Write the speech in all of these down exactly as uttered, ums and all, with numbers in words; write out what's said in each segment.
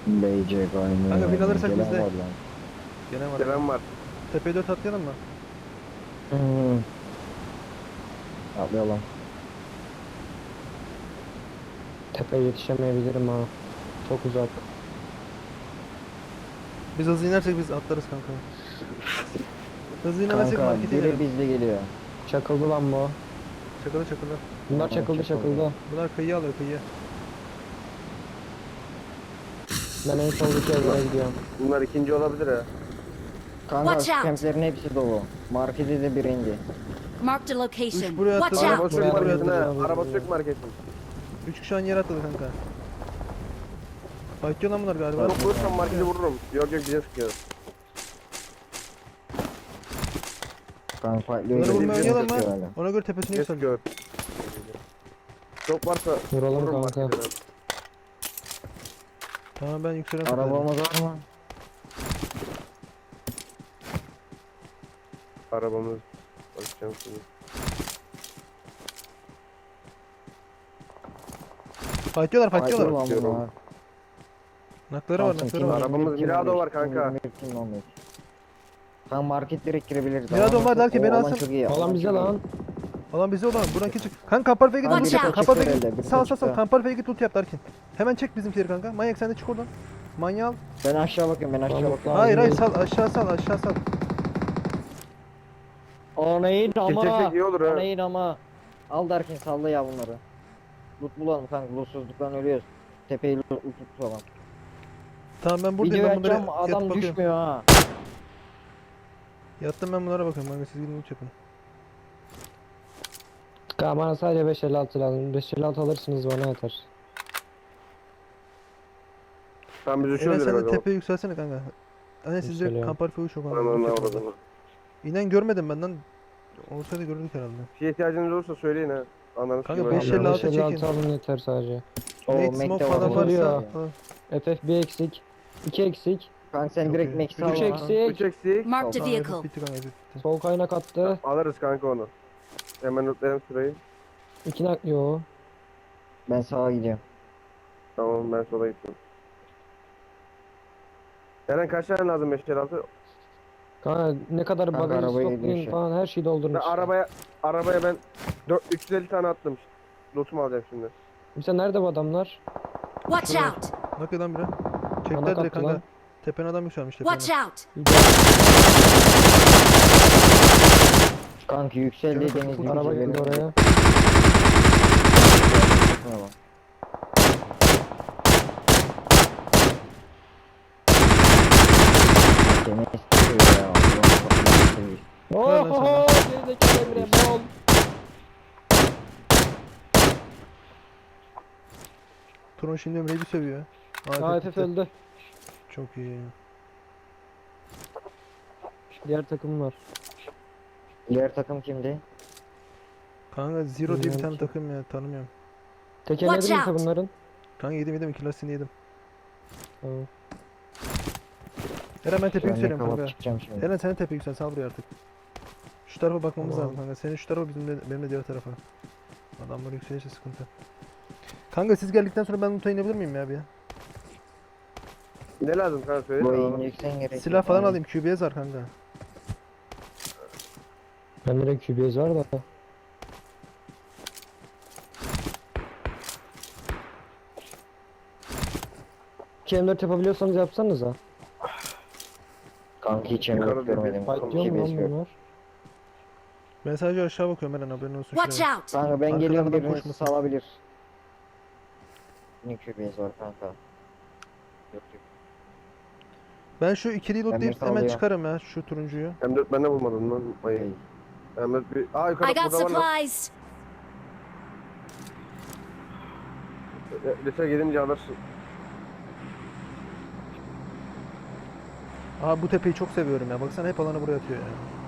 Beycek aynı. Kanka bin alırsak Gelen bizde. var lan. Gene var. Gelen var. Tepeye dört atlayalım mı? Hmm. Atlayalım. Tepeye yetişemeyebilirim ha. Çok uzak. Biz hızlı inersek biz atlarız kanka. Hızlı inemezsek Kanka markete biri inelim. bizde geliyor. Çakıldı lan bu. Çakılı çakılı. Bunlar Tamam, çakıldı çakıldı. çakıldı. Bunlar kıyıya alıyor kıyıya. Ben en soldaki evlere gidiyorum. Bunlar ikinci olabilir ha. Kanka Watch out. kemplerin hepsi dolu. Markete de birinci. Marked a Üç location. buraya Watch atladı. Araba out! sök Buraya marketin ha. atlayalım. Araba sök marketin. Üç kişi aynı yere atladı kanka. Fight lan bunlar galiba. Çok vurursam marketi vururum. Yok yok bize sıkıyor. Kanka Bunları öyle vurmaya bir oynayalım şey mı? var hala. Ona göre tepesine Bize yükseleceğim. sıkıyor. Çok varsa Vuralım vururum kanka. marketi. Tamam ben yükselen tepelerim. Arabamız var mı? Arabamız. Bakacağım şimdi. Fight diyorlar fight Haydi diyorlar. ulan diyorum. bunlar. Nakları var Samsun, nakları kim var. Arabamız kim Mirado on beş, var kanka. kim on beş, kim on beş. Kanka market direkt girebiliriz. Mirado Alan var der ki çok- beni o alan alsın. çok iyi, Alan alan bize çok iyi. lan. Alan bize olan buradan kim çık. Kanka Kamparfa'ya git. Kanka loot biri yap. de Kamparfa'ya çıktı git. herhalde, biri de Sağ sağ sağ. çıktı. Kamparfa'ya git loot yap Darkin. Hemen çek bizimkileri kanka. Manyak sen de çık oradan. Manyak. Ben aşağı bakıyorum, ben aşağı Tamam, bakıyorum. Hayır hayır değil. sal aşağı sal aşağı sal. Anayın Çek çek ama. çek iyi olur ha. Anayın ama. Al derken salla ya bunları. Loot bulalım kanka, lootsuzluktan ölüyoruz. Tepeyi loot loot tutalım. Tamam ben buradayım Video ben bunlara açacağım, yatıp adam bakıyorum. düşmüyor ha. Yattım ben bunlara bakıyorum. Kanka siz gidin loot yapın. Kanka bana sadece beş elli altı lazım. beş elli altı alırsınız bana yeter. Tamam biz Eren uçuyoruz sen de direkt o zaman. tepeye yükselsene kanka. Hani sizde Yükseliyorum. Kamparfa'yı çok Ananı anladım. avradını. İnen görmedim benden. Olsaydı görürdük herhalde. Bir şeye ihtiyacınız olursa söyleyin ha. Ananı Kanka, sikeyim. beş öyle. elli altı beş elli altı çekin. alın yeter sadece. O Nate Mac'te smoke var, falan o varsa. oluyor. Ha. F F bir eksik. iki eksik. Kanka sen Çok direkt iyi. Max Üç al üç ha. eksi. Üç eksik. Marked a Tamam, vehicle. bitti kanka bitti. Sol kaynak attı. Alırız kanka onu. Hemen notlayalım sırayı. iki nak yo. Ben sağa gidiyorum. Tamam ben sola gittim. Eren kaç tane lazım beş elli altı? Kanka ne kadar Kanka bagaj arabaya stoklayın gidiyor falan her şeyi doldurun Ben işte. arabaya arabaya ben dört üç yüz elli tane attım. Lootumu alacağım şimdi. Mesela nerede bu adamlar? Watch Şurada. out! Bak lan biri. Bana Çektiler direkt kaptı kanka. lan. Tepene adam yükselmiş tepene. Watch out! Kanka yükseldi Canım, deniz çok Araba yükseldi. geldi oraya. Deniz tutuyor ya. Allah Allah. Oho! Gerizekalı Emre bol. Turon şimdi Emre'yi bir sövüyor. A F F öldü. Çok iyi. Diğer takım var. Diğer takım kimdi? Kanka Zero diye bir Bilmiyorum tane ki. takım ya tanımıyorum. Tekerledim mi Watch out. bunların? Kanka yedim yedim iki lastiğini yedim. Tamam. Eren ben tepe Ben ne yükseliyorum kapat kanka. çıkacağım şimdi. Eren sen de tepe yüksel sal buraya artık. Şu tarafa bakmamız Tamam. lazım kanka. Senin şu tarafa bizim de, benim de diğer tarafa. Adamlar yükselirse sıkıntı. Kanka siz geldikten sonra ben loot'a inebilir miyim ya bir ya? Ne lazım kanka söyle. Bu Tamam. ineceksen gerek yok. Silah falan Yani alayım. Q B S var kanka. Bende de Q B S var da. iki M dört yapabiliyorsanız yapsanız ha. Kanka hiç Yukarıda emlak bir- görmedim. Tamam, Fight diyor mu G P S lan yok. bunlar? Ben sadece aşağı bakıyorum Eren haberin olsun. Watch şuraya. out! Kanka ben Arkadan geliyorum, adam biriniz koşmasın. salabilir. Ne Q B S var kanka. Yok yok. Ben şu ikiliyi lootlayıp Ben hemen sağlıyorum. çıkarım ya şu turuncuyu. M dört ben de bulmadım lan. Ay. Hey. M dört bir... Aa yukarı I got burada var lan. supplies! E, Lise gelince alırsın. Aha bu tepeyi çok seviyorum ya. Baksana hep alanı buraya atıyor ya.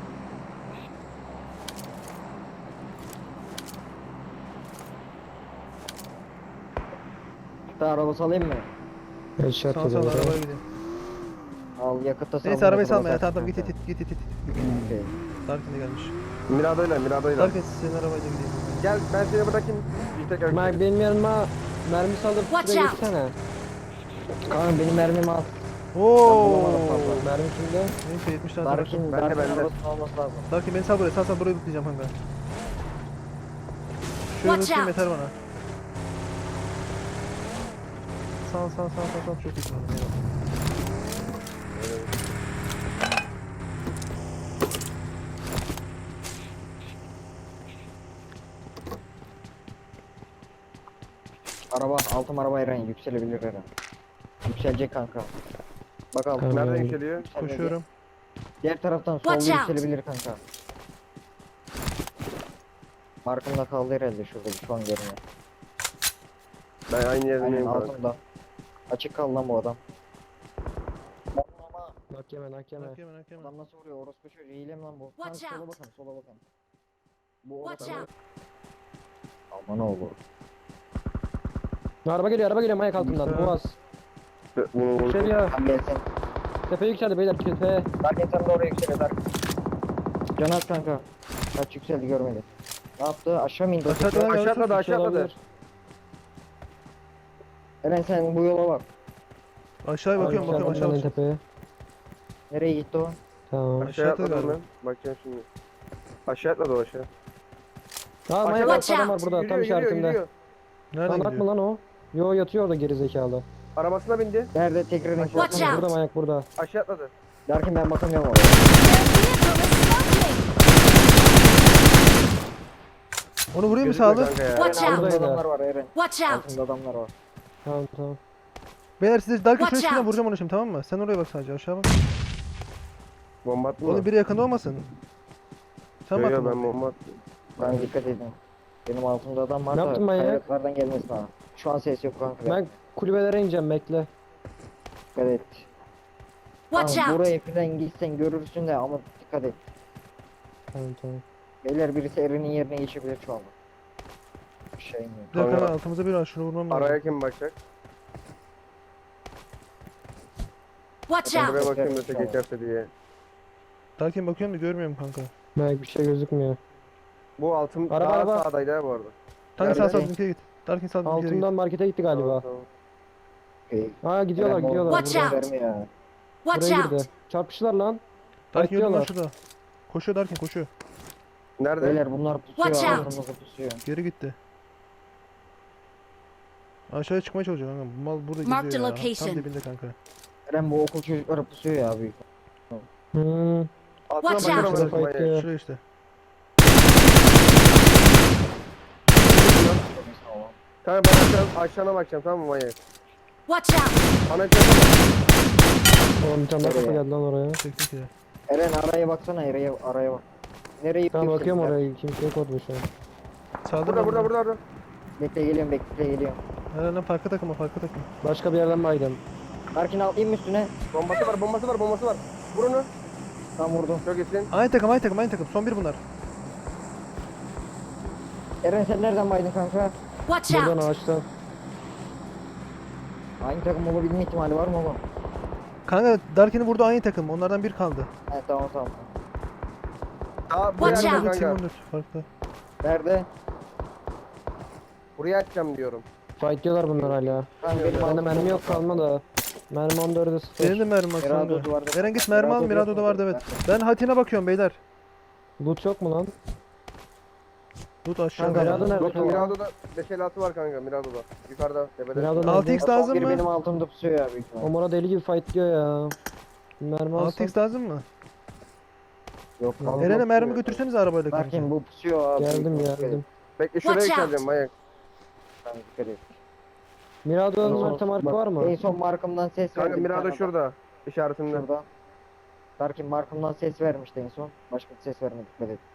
Hatta araba salayım mı? Headshot Sağ sağ ediyor. arabaya gideyim. Al yakıtta sal. Neyse arabayı motora salma ya. bas Tamam tamam git kanka. git git git git. git. Okey. Darkin de gelmiş. Mirado'yla Mirado'yla. Darkin senin arabayla gideyim. Gel ben seni bırakayım. Bir tekrar Mike benim yanıma mermi saldır Watch şuraya out. geçsene. Kanka benim mermim az. Oo. bulamadım fazla. Mermi kimde? Neyse yetmiş tane var. Darkin, Bende, Darkin bende. arabasının olması lazım. Darkin beni sal buraya. Sal sal buraya tutlayacağım kanka. Şöyle Watch tutayım out. yeter bana. Sal sal sal sal sal çok iyi. Eyvallah. Araba, altım araba Eren yükselebilir Eren. Yükselecek kanka. Bakalım. Kanka. Nereden Yani. yükseliyor? Yükselmedi. Koşuyorum. Diğer taraftan solda Watch out. yükselebilir kanka. Markımda kaldı herhalde şurada şu an görünüyor. Ben aynı Aynen yerdeyim kanka. altında. Açık kaldı lan bu adam. Ama Nak yeme nak yeme. Hak hemen hak hemen. adam nasıl vuruyor? Orospu çocuğu hile mi lan bu? Watch Kanka, sola out. bakın, sola bakın. Bu Watch orada. out. Aman oğlum. Araba geliyor araba geliyor mayak altından. Güzel. Boğaz. Bunu vurdum. Yükseliyor. Tam gelsin. Tepe yükseldi beyler tepe. Darkin sen de oraya yükseliyor Darkin. Can at kanka. Kaç yükseldi görmedi. Ne yaptı? Aşağı mı indi? o Aşağı tekrar? atladı. Aşağı atladı aşağı atladı. Olabilir. Eren sen bu yola bak. Aşağıya Abi bakıyorum bakıyorum yükseldim aşağı ben de bakıyorum. tepeye. Nereye gitti o? Tamam. Aşağı Aşağı atladı atladım galiba. ben. Bakacağım şimdi. Aşağı atladı o aşağı. Tamam mayak Aşağıda- altı adam var burada Yürüyor, tam yürüyor, işaretimde. yürüyor. Nereden Lan atma gidiyor? lan o. Yo yatıyor orada geri zekalı. Arabasına bindi. Nerede tekrar info Watch atsana. out. Burada mayak burada. Aşağı atladı. Darkin ben bakamıyorum oraya. Their vehicle is smoking. Onu vurayım mı Gözükmüyor sağlı? kanka ya. Watch Eren out. altında Buradaydı. adamlar var Eren. Watch out. Altında adamlar var. Tamam tamam. Beyler size Darkin Watch şöyle çıkın out. vuracağım onu şimdi tamam mı? Sen oraya bak sadece aşağı bak. Bomba attın mı? Oğlum biri yakında olmasın. Sen Yo, bak. yo, ben bomba attım. Ben dikkat edin. Benim altımda adam var Ne da yaptın manyak? kayalıklardan gelmesin ha. Şu an ses yok kanka. Ben kulübelere ineceğim bekle. Dikkat et. Watch Tamam, out. buraya falan gitsen görürsün de ama dikkat et. Tamam tamam. Beyler birisi Eren'in yerine geçebilir şu anda. Bir şey mi? Bir dakika Kanka. altımıza bir var şunu vurmam lazım. Araya kim bakacak? Watch Ben out. Buraya bakayım da Tamam. tek geçerse diye. Darkin bakıyorum da görmüyorum kanka. Mayak bir şey gözükmüyor. Bu altın Araba, daha araba. sağdaydı ha bu arada. Darkin sağ Nerede? sağ bizimkiye git. Darkin sağ bizimkiye git. Altından markete gitti galiba. Tamam, tamam. Okey. Aa gidiyorlar Eren, gidiyorlar. Watch Buraya, out. Verme ya. Watch buraya out. girdi. Çarpıştılar lan. Darkin yürü lan Bekliyorlar. şurada. Koşuyor Darkin koşuyor. Nerede? Beyler bunlar pusuyor. Watch out. Altımızda pusuyor. Geri gitti. Aşağıya çıkmaya çalışıyor kanka. Bu mal burada Mark geziyor the ya. Tam location. dibinde kanka. Eren bu okul çocukları pusuyor ya büyük. Hmm. Altına Watch bakar out. mısın Fight manyak? diyor. Şuraya işte. Kanka ben aşağı, aşağına bakacağım tamam mı manyak? Watch out. Ana çatı Oğlum bir tane daha Nereye? kapı geldi lan oraya. Çektik ya. Eren araya baksana araya araya bak. Nereye Tamam bakıyorum yükseldiler? oraya. Kimse yok orada şu an. Sağda Burada mı? burada burada burada. Bekle geliyorum bekle geliyorum. Helal lan farklı takıma farklı takım. Başka bir yerden baydım. Darkin atlayayım mı üstüne? Bombası var bombası var bombası var. Vur onu. Tam vurdum. Çok iyisin. Aynı takım aynı takım aynı takım. Son bir bunlar. Eren sen nereden baydın kanka? Watch Buradan out. ağaçtan. Aynı takım olabilme ihtimali var mı oğlum? Kanka Darkin'i vurdu aynı takım. Onlardan bir kaldı. He tamam tamam. Aa buraya Watch atacağım out. Team kanka. on dört farklı. Nerede? Buraya atacağım diyorum. Fight diyorlar bunlar hala. Kanka benim Bende altımda mermi yok kalma da. Mermi on dörde sıfır. Benim de mermi var Mirado kanka. duvarda. Eren git mermi al. Mirado Mirado'da yok vardı mu? evet. Ben Hatin'e bakıyorum beyler. Loot yok mu lan? Tut aşağıda. Kanka, ya. Mirado nerede? Yok Mirado'da beş elli altı var kanka Mirado'da. Yukarıda tepede. Mirado altı nerede? x lazım Biri mı? benim altımda pusuyor ya büyük ihtimalle. Omura deli gibi fight diyor ya. Mermi altı alsam. x lazım mı? Yok Tamam. kanka. Eren'e mermi pusuyor. götürseniz arabayla kanka. Darkin bu pusuyor abi. Geldim Dikkat et. geldim. Bekle şuraya Watch out. yükseleceğim manyak. Tamam, dikkat et. Mirado'nun En harita son- markı bak, var mı? En son markımdan ses Kanka verdi. bir Mirado tane şurada. adam. İşaretinde. Şurada. Darkin markımdan ses vermişti en son. Başka bir ses vermedi dikkat et.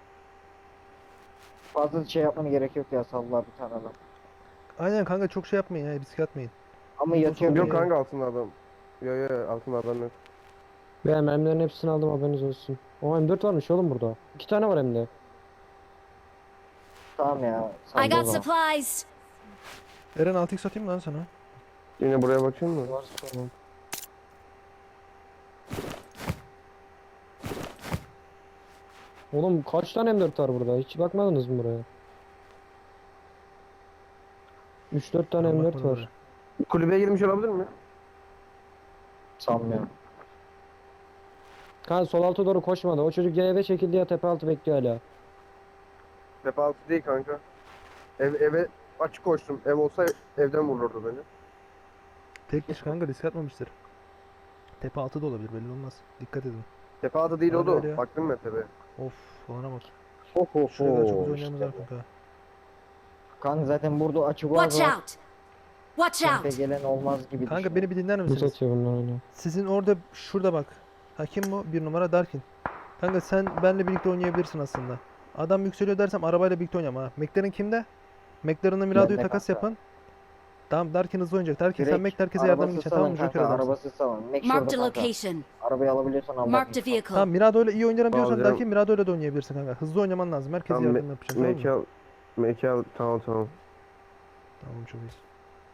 Fazla şey yapmana gerek yok ya sallar bir tane adam. Aynen kanka çok şey yapmayın ya risk atmayın. Ama yatıyor. Yok böyle. kanka altında adam. Yo yo altında adam yok. Ben mermilerin hepsini aldım haberiniz olsun. O M dört varmış oğlum burada. İki tane var hem de. Tamam ya. I salla o got zaman. supplies. Eren altı x atayım mı lan sana? Yine buraya bakayım mı? Var tamam. Oğlum kaç tane M dört var burada? Hiç bakmadınız mı buraya? üç dört tane Ben M dört bakmadım var. oraya. Kulübeye girmiş olabilir mi? Sanmıyorum. Kanka sol alta doğru koşmadı. O çocuk ya eve çekildi ya tepe altı bekliyor hala. Tepe altı değil kanka. Ev, eve açık koştum. Ev olsa evden vururdu beni. Tek kişi kanka risk atmamıştır. Tepe altı da olabilir belli olmaz. Dikkat edin. Tepe altı değil Öyle o öyle ya. da. Baktım ben tepeye. Of olana bak. Ho ho Şurada çok ho. güzel oynayamız var kanka. Kanka zaten burada açık Watch var. out! Watch Tempe out! gelen olmaz gibi Kanka düşünüyorum. beni bir dinler Bu misiniz? satıyor bunlar hala. Sizin orada şurada bak. Hakim bu bir numara Darkin. Kanka sen benle birlikte oynayabilirsin aslında. Adam yükseliyor dersem arabayla birlikte oynayama ha. McLaren kimde? McLaren'la Mirado'yu Bende takas kanka. yapın. Tamam Darkin hızlı oynayacak. Darkin sen Direkt Mac herkese yardım arabası edeceksin salın tamam mı? Joker kanka, adamsın. arabası salın. Make Marked şurada a kanka. location. Arabayı alabiliyorsan al. Marked a bakayım. vehicle. Tamam Mirado'yla iyi oynarım diyorsan Alacağım. Darkin Mirado'yla da oynayabilirsin kanka. Hızlı oynaman lazım. Herkese Tamam, yardım yapacaksın tamam mı? Mekan, mekan tamam tamam. Tamam çok iyisin.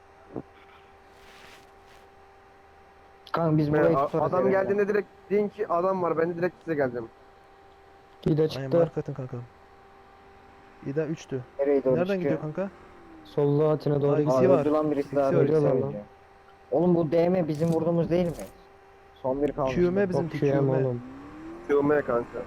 Kanka biz Ben- burayı a- tutarız. adam eve geldiğinde direkt deyin ki adam var. Ben de direkt size geldim. İyi de Aynen çıktı. marka atın kanka. İda üçtü. Nereye doğru Nereden gidiyor çıkıyor? kanka? Solda Atina doğru Ay, gidiyor. Aa, İkisi var. öldü lan birisi İkisi daha. var, birisi ikisi var öldü. lan. Oğlum bu D M bizim vurduğumuz değil mi? Son bir kalmış. Q M Bizim bizimki Q M Q M. oğlum. Yılmaya kanka.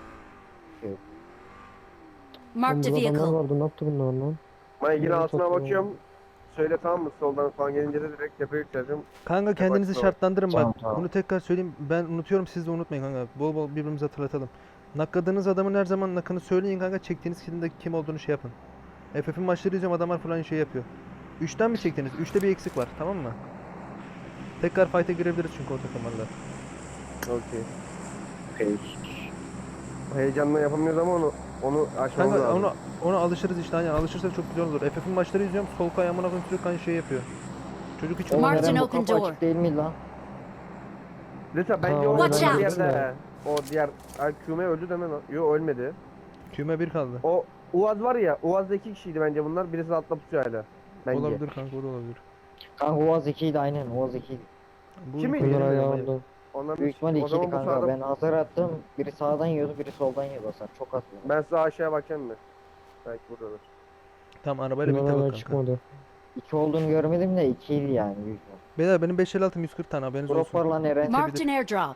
Marked a Oğlum, burada adamlar vehicle. vardı ne yaptı bunlar lan? Ben yine Evet, altına çok iyi. bakıyorum. Söyle tamam mı? Soldan falan gelince de direkt tepeye yükseleceğim. Kanka kendinizi Bak, şartlandırın Tamam, bak. tamam. Bunu tekrar söyleyeyim. Ben unutuyorum siz de unutmayın kanka. Bol bol birbirimize hatırlatalım. Nakladığınız adamın her zaman nakını söyleyin kanka. Çektiğiniz kilin de kim olduğunu şey yapın. F F'in maçları izliyorum adamlar falan şey yapıyor. üçten mi çektiniz? üçte bir eksik var tamam mı? Tekrar fight'e girebiliriz çünkü o takımlarla. Okey. Okey. Heyecanla yapamıyoruz ama onu onu aşmamız Kanka lazım. ona, ona alışırız işte aynen alışırsak çok güzel olur. F F'in maçları izliyorum sol kay amına koyayım sürekli aynı şey yapıyor. Çocuk hiç Oğlum Marked neden an bu open kapı door. açık değil mi lan? Lütfen bence Tamam, o Watch out. diğerde. O diğer Ay, Küme öldü deme lan. Yo ölmedi. Küme bir kaldı. O Uaz var ya, Uaz'da iki kişiydi bence bunlar. Birisi altta pusuyor hala. Bence. Olabilir kanka o da olabilir. Kanka Uaz ikiydi aynen Uaz ikiydi. Bu Kimi ülkenin Bunlar Bilmiyorum ayağı adamı. orada. Onların Büyük ihtimalle o zaman ikiydi bu kanka. sağda Ben hazır attım. Biri sağdan yiyordu biri soldan yiyordu hasar. Çok az. yiyordu. ben size aşağıya bakacağım mı? Belki buradadır. Tamam arabayla Bunlar birlikte bak hala kanka. çıkmadı. İki olduğunu görmedim de ikiydi yani büyük ihtimalle. Beyler benim beş elli altım yüz kırk tane haberiniz Drop var olsun. lan Eren. Marked an airdrop.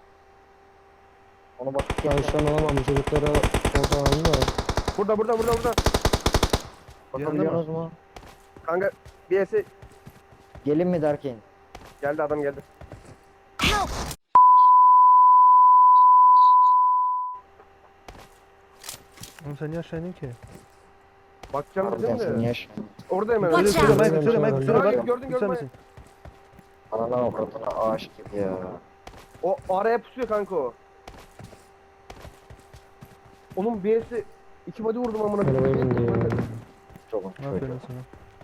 Onu bak. Ben şu an alamam bu çocuklara orada alalım da. Burada burada burada burada. Bakabiliyorsunuz mu? Kanka bir ese Gelin mi derken? geldi adam geldi. Help! Oğlum sen niye aşağı indin ki? Bakacağım Harbiden dedim sen de. yaş. Orada hemen. Söyle Watch söyle out. Michael söyle Michael söyle Hayır, bak. gördün, Güzel gördün. misin? Anana avradına ağaç gibi ya. O araya pusuyor kanka o. Oğlum bir ese iki body vurdum amına Arabaya bindi ya. Çok çocuğu. Aferin sana.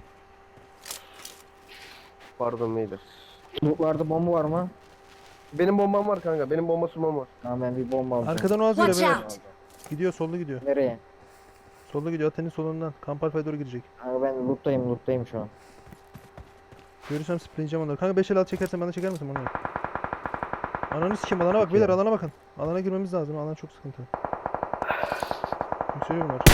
Pardon neydi? Lootlarda bomba var mı? Benim bombam var kanka. Benim bomba sumam var. Tamam ben bir bomba alacağım. Arkadan Oğaz geliyor Watch beyler. out. Gidiyor solda gidiyor. Nereye? Solda gidiyor Atenin solundan. Kamp Alfa'ya doğru gidecek. Kanka ben loot'tayım loot'tayım şu an. Görürsem spreyeceğim onları. Kanka beş elli altı çekersen bana çeker misin onu? Ananı sikeyim alana bak beyler alana bakın. Alana girmemiz lazım. Alan çok sıkıntı. Yükseliyor bunlar.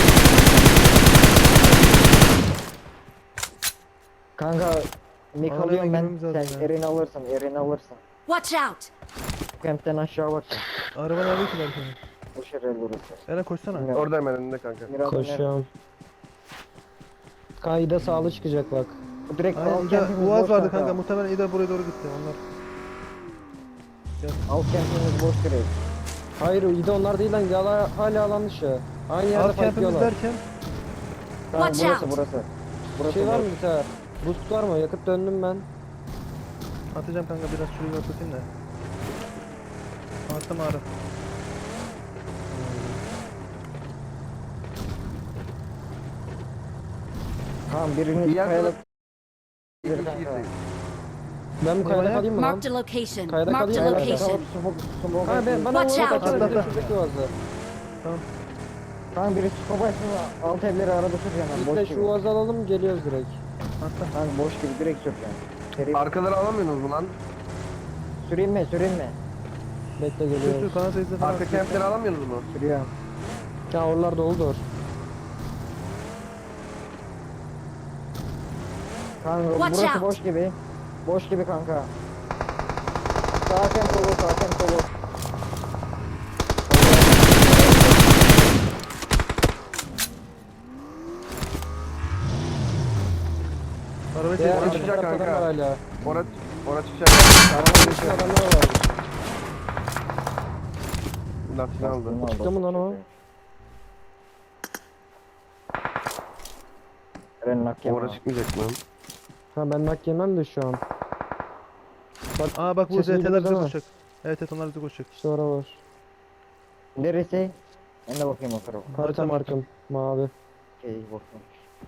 Kanka Mik Alana alıyorum ben. girmemiz lazım Sen ya. Eren'i alırsın Eren'i alırsın. Watch out! Camp'ten aşağı bak. Araba nerede ki belki? Boş yer burası. Eren koşsana. Bilmiyorum. Orada hemen önünde kanka. Mirad'ın nerede? Koşuyorum. Kayda sağlı çıkacak bak. Bu direkt Aynen al İda, campimiz Uaz boş vardı kanka. Muhtemelen İda buraya doğru gitti onlar. Al campimiz boş direkt. Hayır iyi de onlar değil lan yala, hala alan dışı. Aynı yerde Alt campimiz fightlıyorlar. derken Tamam Watch burası out. burası. Burası Şey var mı boş. bir tane? Boost var mı? Yakıt döndüm ben. atacağım kanka biraz şurayı atlatayım da. Attım ağrı. Tamam birini Bir yer kayalık. İki Bir kişi kanka. gitti. Ben bu kayada Eyvah. kalayım mı lan? Marked a location. Kayada Marked a kalayım mı? Kayalık Location. kalıp smoke smoke. Ha ben bana Watch vurdu out. kaçırdı. Atla, atla. Şuradaki vazda. Kanka biri scope açsın alt evleri arada süreceğim ben Biz boş de gibi. şu vazı alalım geliyoruz direkt. Atla. Kanka boş gibi direkt süreceğim. Seri Arkaları alamıyorsunuz mu lan? süreyim mi süreyim mi? Bekle Sür sür geliyoruz. kanat izle falan. Arka kempleri alamıyorsunuz mu? Sürüyorum. Ya oralar doludur. Kanka Watch burası out. boş gibi. Boş gibi kanka. Sağ hakem solu, sağ hakem solu. Arabayı Diğer çek. Orası arka çıkacak tarafta adam kanka. var hala. Ona ona çıkacak. Arabanın içinde adamlar var. Lastiğini aldı. Lastiğini aldı, Çıktı mı lan o? Eren nak yeme. Orası çıkmayacak lan. Ha ben nak yemem de şu an. Aa bak bu Sesini Z T'ler bize duydunuz ama. koşacak. Evet evet onlar bize koşacak. İşte orada var. Neresi? Ben de bakayım o tarafa. Harita markım. Mavi. Okey bakayım.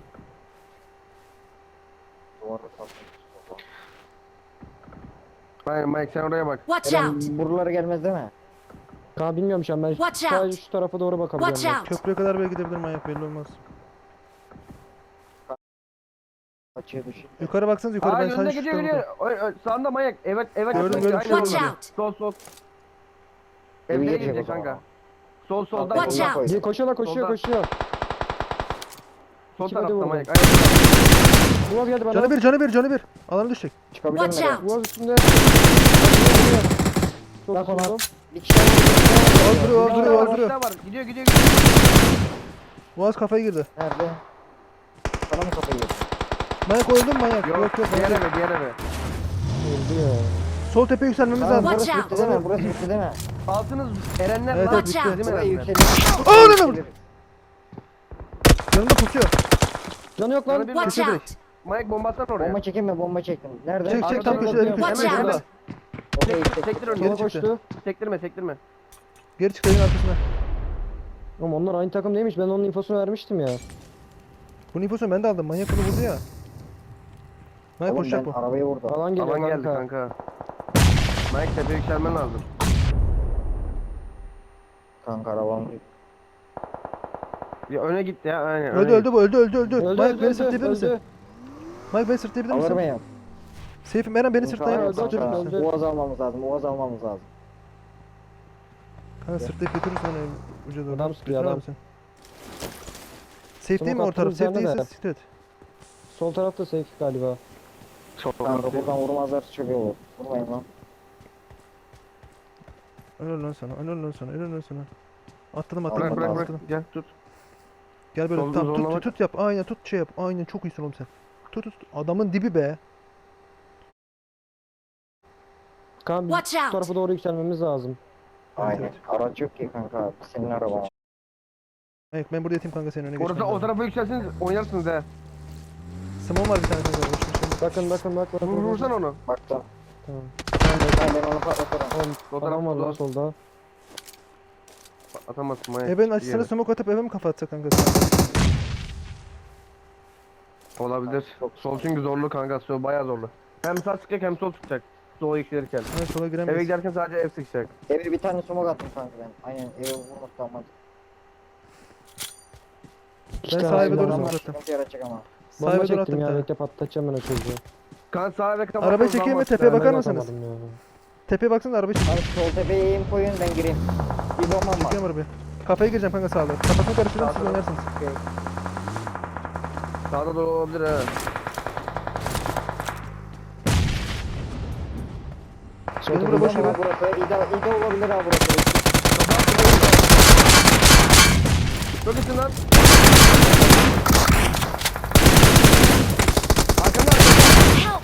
Duvarda kalmış. Hayır Mike sen oraya bak. Watch Eren out! buralara gelmez değil mi? Ka bilmiyorum şu an ben Watch sadece out! şu tarafa doğru bakabiliyorum. Watch ben. out! Köprüye kadar böyle gidebilir manyak belli olmaz. Açıya düşük. Yukarı baksanız yukarı Aa ben önünde sadece şu gidiyor tarafa gidiyor. Oy, oy, sağında manyak. Evet evet. Gördüm, evet, gördüm, aynen şöyle Watch orada. out! Sol sol. Evi Evlere geçecek gidecek o zaman. kanka. Sol solda. Watch Watch solda out! koy. Bir koşuyorlar koşuyor Solda. koşuyor. Sol İki tarafta body manyak. vurdum. Aynen. Uaz geldi bana. Canı bir canı bir canı bir. Alana düşecek. Çıkabilir mi? Watch Eren? out! Uaz üstünde. Çok Bak ona. vurdum. Bir kişi daha var, bir kişi daha var. Az duruyor az duruyor az Bir duruyor. daha var. Gidiyor gidiyor gidiyor. Boğaz kafaya girdi. Nerede? Sana mı kafayı yedi? Manyak öldün manyak. Yok Yok yok. diğer manyak. eve diğer eve. Öldü ya. Sol tepeye yükselmemiz Tamam, lazım. Watch burası out. bitti değil mi? Burası bitti değil mi? Altınız Erenler Evet, lan. evet, Watch out. Değil mi Burayı Erenler? yükseliyor. Aa, ne vurdu? Yanında pusuyor. Canı yok Canı lan. bir- Watch Köşe out! Mike bomba atsana oraya. Bomba çekeyim mi? Bomba çektim. Nerede? Çek çek Arkadan tam yok, köşede yok. köşede. Watch Hemen out. şurada. Okey, Sektir, çek. sektir önüne. Geri Sola çıktı. koştu. Sektirme sektirme. Geri çık evin arkasına. Oğlum onlar aynı takım değilmiş. Ben onun infosunu vermiştim ya. Bu nüfusu ben de aldım. Manyak bunu vurdu ya. Manyak Oğlum koşacak ben bu. arabayı vurdu. Alan geliyor Alan geldi kanka. kanka. Mike tepeye yükselmen lazım. Kanka arabam. Ya öne gitti ya aynen. Öldü öne öldü bu öldü öldü öldü. Öldü Mike öldü beni öldü. sırtlayabilir misin? öldü. Mike beni sırtlayabilir Alır misin? mıyım? Seyfim Eren beni İmkanı sırtlayabilir yok misin? öldü, kanka. öldü. Uaz almamız lazım. Uaz almamız lazım. Kanka sırtlayıp götürürsün onu uca doğru. Adam sıkıyor, Götür adam. abi sen. Safe değil mi Smoke o taraf? attığımız Safe yerde değilse de. siktir et. Sol tarafta safe galiba. Çok Kanka buradan vurmazlar çok iyi olur. Vurmayın lan. Helal lan sana, helal lan sana, helal lan sana. Atladım Bırak, atladım Bırak bırak atladım. bırak. Gel tut. Gel böyle Solda tamam tut, zorlamak. tut tut yap. Aynen tut şey yap. Aynen çok iyisin oğlum sen. Tut tut. Adamın dibi be. Kaan biz Watch şu out. tarafa doğru yükselmemiz lazım. Aynen. evet. Araç yok ki kanka. Senin araban. Evet ben burada yatayım kanka senin önüne Orada geçmem o lazım. tarafa yükselseniz oynarsınız he. Simon var bir tane kanka. Boş ver şimdi. Bakın bakın bak bak. Vur, bak, vursan bak. onu. Baktım. Tamam. Ben, ben onu patlatırım. Oğlum O adam var tarafta lan da solda. atamazsın manyak. Ebe'nin Bir açısına yere. smoke atıp eve mi kafa atsa kanka? Olabilir. Sol çünkü zorlu kanka. Sol bayağı zorlu. Hem sağ çıkacak hem sol çıkacak. Sola yükselirken. Evet sola Eve giremeyiz. giderken sadece ev sıkacak. Eve bir tane smoke attım kanka ben. Aynen eve vurması kalmadı. İki Ben tane sahibi adam doğru var. smoke attım. Sıkıntı yaratacak ama. Bomba Sahibi doğru çektim attım bir ya. tane. Bekle patlatacağım ben o çocuğu. Kan sağa ve kapat. Arabayı çekeyim mi? Tepeye bakar Ben mısınız? atamadım ya. Tepeye baksana araba çekiyor. Abi sol tepeye eğim koyun ben gireyim. Bir bombam var. Çekiyorum arabayı. Kafaya gireceğim kanka sağda. Kafasını karıştırırım siz Sağda. oynarsınız. Sağda doğru olabilir he. Sol Benim tepede burada boş Bomba eve. burası. İde, ide olabilir ha burası. Çok iyisin lan. Arkamda arkamda. Help!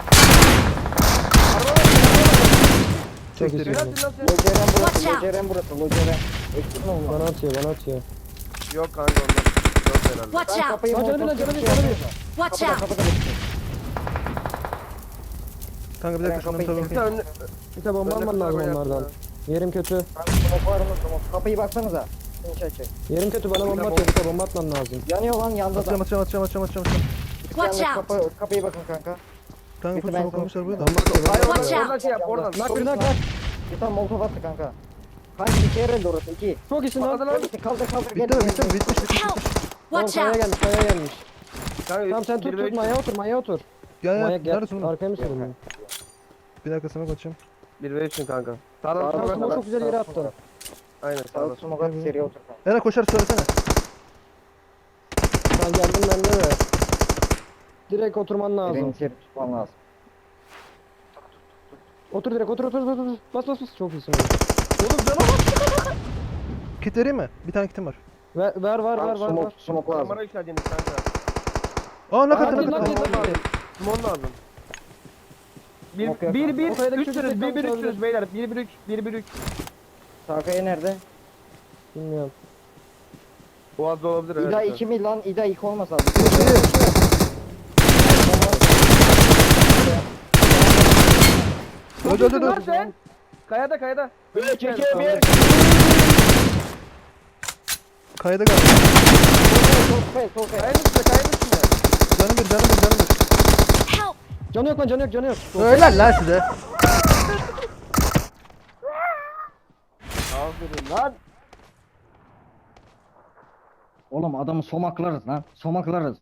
Çok Çektir. iyisin. Helalsin lan sen. Loceren burası. Watch out. Loceren burası. Loceren. Eksik mi Bana oldu? atıyor bana atıyor. Yok kanka ondan. Yok herhalde. Watch Ben out! kapıyı Lan canı montaj bir, canı bir, şey canı bir. yapıyorum. Watch Kapıda out! kapıda bekliyor. Kanka bir Ben dakika şundan kapıyı tabii. Bir tane Bir de bomba alman lazım onlardan. Yerim kötü. Kanka smoke var mı smoke? Kapıyı baksanıza. Finish açık. Yerim kötü bana bomba atıyor. Bir de bomba atman lazım. Yanıyor lan yanda Atacağım da. atacağım atacağım atacağım atacağım. atacağım. Watch Yalnız out! Kapı, kapıyı bakın kanka. Kanka Bitti, full ben smoke almışlar smoke- buraya da. Bomba atıyor. Hayır bomba oradan, Watch atıyor. out. oradan şey yap oradan. Nak bir nak nak. Bir tane molotof attı kanka. Kanka iki herhalde orası iki. Çok iyisin lan. Patladı lan. Kaldır kaldır kaldır. Bitti mi bitti mi bitmiş bitmiş. Help! Tamam Watch kaya out! gelmiş kaya gelmiş. Kanka, Tamam sen tut bir ve tut üç- maya otur maya otur. Gel Manyak gel. gel. Neredesin oğlum? Arkaya mı sürün? Bir dakika smoke atacağım. Bir ve üçün kanka. Sağdan Sağdan smoke Smoke at. çok güzel yere attı. Aynen Sağ sağdan. smoke at seri otur kanka. Eren koşar söylesene. Sen geldin bende de. Direkt oturman Birini lazım. seri tutman lazım. Otur direkt otur otur otur. otur. Bas bas bas. Çok iyisin oğlum. Oğlum cana bak. Kit vereyim mi? Bir tane kitim var. Ver ver var var var Smoke, var. smoke lazım. Kamera yükseldiğiniz kanka. Aa nak Aa, attı hadi nak lan, attı. hadi lan. Simon lazım. Bir, Yok, yok. bir, bir, O kayadaki çocuk üçsünüz, bir, bir, kalmış üçsünüz beyler. Bir, bir, üç, bir, bir, üç. Sakaya nerede? Bilmiyorum. Boğaz'da olabilir evet. İda evet. iki mi lan? İda iki olmasa abi. Öldü öldü Lan öldü. sen. Kayada, kayada. Çekiyor bir. Kayada kaldı. Sol kaya, sol kaya. Kayanın üstünde, kayanın üstünde. Canım bir canım bir canım bir. Help! Canı yok lan canı yok canı yok. Öyle lan size. Aferin lan. Oğlum adamı somaklarız lan. Somaklarız.